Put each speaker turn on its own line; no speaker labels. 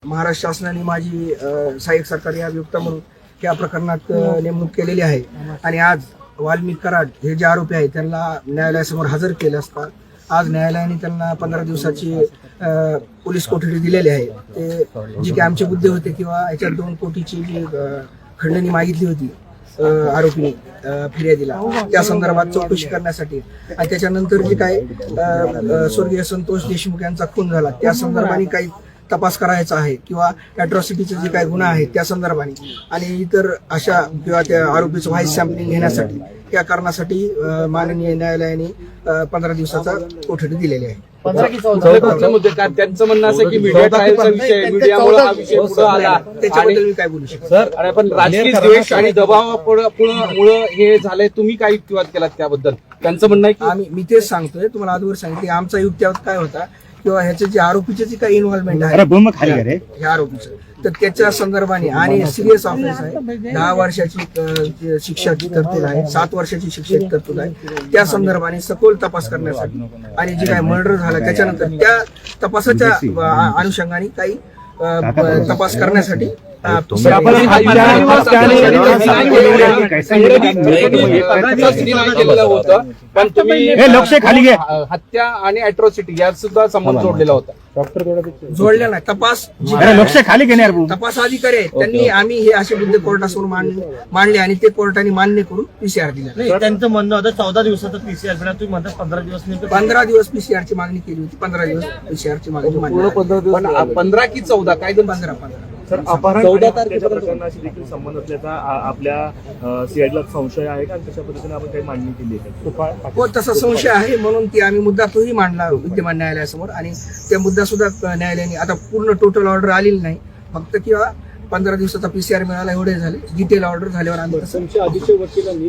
महाराष्ट्र शासनाने माझी सहाय्यक सरकारी अभियुक्त म्हणून या प्रकरणात नेमणूक केलेली आहे आणि आज वाल्मिक कराड हे जे आरोपी आहेत त्यांना न्यायालयासमोर हजर केले असता आज न्यायालयाने त्यांना 15 दिवसाची पोलीस कोठडी दिलेली आहे। ते जी काही आमचे मुद्दे होते किंवा याच्यात 2 कोटीची जी खंडणी मागितली होती आरोपीने फिर्यादीला त्या संदर्भात चौकशी करण्यासाठी आणि त्याच्यानंतर जे काय स्वर्गीय संतोष देशमुख यांचा खून झाला त्या संदर्भाने काही तपास करायचा आहे किंवा अॅट्रॉसिटीचे जे काही गुन्हा आहेत त्या संदर्भाने आणि इतर अशा किंवा त्या आरोपीचं व्हाईस सॅम्पलिंग घेण्यासाठी या कारणासाठी माननीय न्यायालयाने 15 दिवसाचा कोठडी दिलेली आहे।
त्यांचं म्हणणं असं की मीडिया ट्रायलचा विषय मीडियामुळे हा विषय पुढे आला
त्याच्याबद्दल मी काय बोलू शकतो
सर? आणि पण राजकीय द्वेष आणि दबावामुळे हे झालंय, तुम्ही काय युक्तिवाद केलात त्याबद्दल? त्यांचं म्हणणं आहे की
मी तेच सांगतोय तुम्हाला आजवर सांगितले आमचा युक्तिवाद काय होता किंवा ह्याचे जे आरोपीचे जे काही इन्व्हॉल्वमेंट आहे ह्या आरोपीचं तर त्याच्या संदर्भाने आणि सिरियस ऑफेन्स आहे 10 वर्षाची शिक्षाची तरतूद आहे 7 वर्षाची शिक्षेची तरतूद आहे त्या संदर्भाने सखोल तपास करण्यासाठी आणि जे काही मर्डर झाला त्याच्यानंतर त्या तपासाच्या अनुषंगाने काही तपास करण्यासाठी
पण तुम्ही हत्या आणि अॅट्रॉसिटी यात सुद्धा संबंध जोडलेला होता।
जोडल्या नाही तपास तपास अधिकारी आहेत त्यांनी आम्ही हे असे मुद्दे कोर्टासमोर मांडले आणि ते कोर्टाने मान्य करून पीसीआर दिला।
त्यांचं म्हणणं होतं 14 दिवसाचा पीसीआर तुम्ही म्हणता 15 दिवस
15 दिवस पीसीआर ची मागणी केली होती 15 दिवस पीसीआर ची मागणी
15 की 14 काय
15
सर अपहरण 14 तारखेच्या प्रकरणाशी देखील संबंध असल्याचा आपल्या सीआयडीला संशय आहे का? तशा पद्धतीने आपण काही मांडणी केली आहे?
हो तसा संशय आहे म्हणून ती आम्ही मुद्दा तोही मांडला विद्यमान न्यायालयासमोर आणि त्या मुद्दा सुद्धा न्यायालयाने आता पूर्ण टोटल ऑर्डर आलेली नाही फक्त किंवा 15 दिवसाचा पीसीआर मिळाला एवढे झाले डिटेल ऑर्डर झाल्यावर आम्ही